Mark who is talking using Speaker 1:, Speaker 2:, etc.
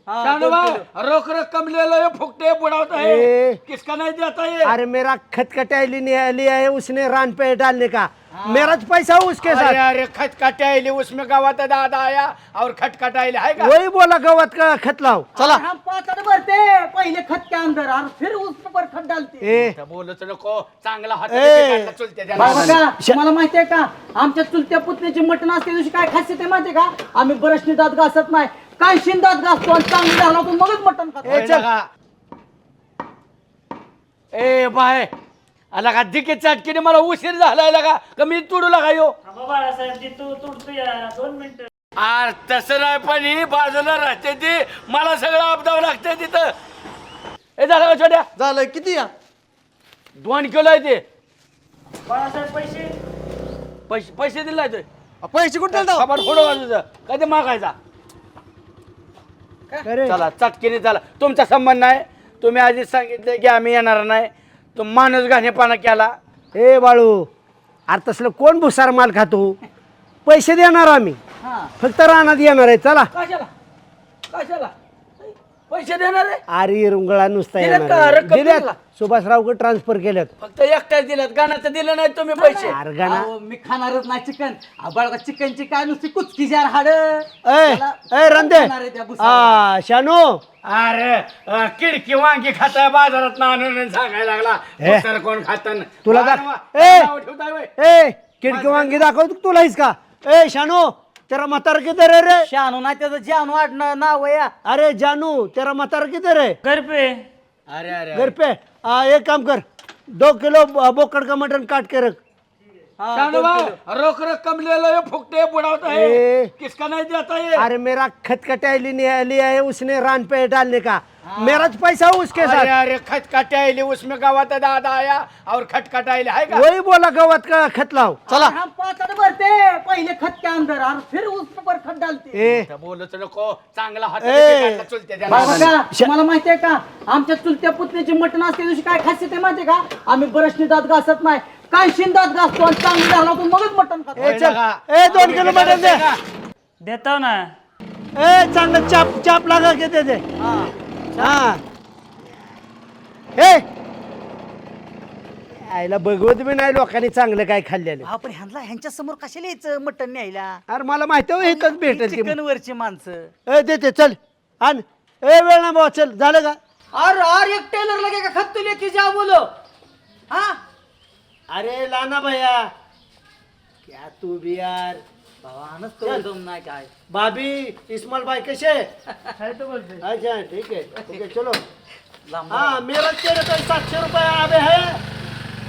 Speaker 1: शानू भाई रोक रकम ले लो, ये फुकटे बुढ़ाता है, किसका नहीं देता ये?
Speaker 2: अरे मेरा खटखटाई लिया है उसने रान पे डालने का, मेरा पैसा उसके साथ।
Speaker 1: अरे खटखटाइली उसमें गवाता दादा आया और खटखटाइली है का?
Speaker 2: वही बोला गवत का खत लाओ।
Speaker 3: चला हम पाचड़ भरते पहले खत के अंदर और फिर उस पर खत डालते।
Speaker 1: बोलच नको, चांगला हात
Speaker 2: ए,
Speaker 1: चुलते
Speaker 3: बघा, तुम्हाला माहितीये का आमच्या चुलत्या पुतण्याची मटण असते दिवशी काय खासियत आहे माहितीये का? आम्ही ब्रशनी दात घासत नाही, काय शिंदात घासतो आणि चांगली झाला तो मगच मटण खातो.
Speaker 1: ए बाय आला का दिके चटकीने मला उशीर झालाय लगा का मी तुडू लागा यो? अरे तसं नाही, पण ही बाजूला राहते ती, मला सगळं आपदावं लागतंय तिथं. ए झालं का छोट्या?
Speaker 4: झालं किती या
Speaker 1: 2 किलो आहे ते. पैसे पैसे दिले नाही
Speaker 4: पैसे कुठे द्याल
Speaker 1: खबर फोडो वाजूचा कधी मागायचा.
Speaker 2: अरे
Speaker 1: चला चटकीने चला, तुमचा संबंध नाही, तुम्ही आधीच सांगितले की आम्ही येणार नाही, तो माणूस घाणेपणा केला.
Speaker 2: ए बाळू, अरे तसलं कोण भुसार माल खातो? पैसे देणार आम्ही, फक्त रानात येणार आहे. चला.
Speaker 1: कशाला कशाला पैसे देणार आहे?
Speaker 2: अरे रुंगळा नुसता
Speaker 1: दिलेत
Speaker 2: येणार
Speaker 1: का?
Speaker 2: आहे.
Speaker 1: रक्कम
Speaker 2: दिलेत.
Speaker 1: दिला?
Speaker 2: सुभाषराव ट्रान्सफर केल्यात.
Speaker 1: फक्त एकट्याच दिलं, गाण्याचं दिलं नाही तुम्ही पैसे.
Speaker 2: अरे गाणं.
Speaker 3: अहो, मी खाणारच नाही चिकन. बळका चिकनची काय नुसती कुचकी जार हाड.
Speaker 2: ए रंदे, शानू,
Speaker 1: अरे किडकी वांगी खाताय बाजारात आणून सांगायला लागला
Speaker 2: हे.
Speaker 1: दुसरं कोण खात
Speaker 2: तुला खिडकी वांगी दाखवतो तुला का? ए शानू, तेरा म्हातारा किधर है रे?
Speaker 3: शानू नाही त्याचं जानू आडणं नाव आहे या.
Speaker 2: अरे जानू, तेरा म्हातारा किधर है?
Speaker 1: अरे अरे
Speaker 2: घर पे. एक काम कर, 2 किलो बोकड़ का मटन काट के रख.
Speaker 1: शानू भाई रोक रकम ले लो, ये फुकटे बुढ़ाता है,
Speaker 2: ए,
Speaker 1: किसका नहीं देता ये?
Speaker 2: अरे मेरा खटखटाई लिया है उसने रान पे डालने का, मेरा पैसा उसके साथ।
Speaker 1: अरे खटखटाइली उसमें गवाता दादा आया और खटखटाइली है का?
Speaker 2: वही बोला गवत का खत लाओ.
Speaker 3: चला हम पाचड़ भरते पहले खत के अंदर और फिर उस पर खत डालते.
Speaker 1: बोलच नको, चांगला हात
Speaker 2: ए,
Speaker 1: चुलते
Speaker 3: बघा, तुम्हाला माहितीये का आमच्या चुलत्या पुतण्याची मटण असते दिवशी काय खासियत आहे माहितीये का? आम्ही ब्रशनी दात घासत नाही, काय शिंदात घासतो आणि चांगली झाला तो मगच मटण खातो.
Speaker 2: ए चल, ए 2 किलो मटन दे.
Speaker 5: देतो ना.
Speaker 2: ए चांगलं चाप चाप लगा के दे दे. हाँ. ए आईला बघवत बी नाही लोकांनी चांगलं काय खाल्लेलं.
Speaker 3: आपण ह्यांच्या समोर कशाला यायचं मटण न्यायला?
Speaker 2: अरे मला माहिती आहे इथंच भेटेल ती.
Speaker 3: चिकन वरची माणसं.
Speaker 2: ए देते चल आण. ए वेळ ना भाऊ, चल झालं का?
Speaker 3: और एक टेलर लगेगा खत तुले की जा बोलो. हाँ
Speaker 2: अरे लाना भैया, क्या तू भी यार.
Speaker 3: भावानच तो एकदम नाही काय.
Speaker 2: भाभी इस्माइल भाई कैसे? अच्छा ठीक है, ओके चलो. हाँ मेरा तेरे तो 700 रुपये आवे है.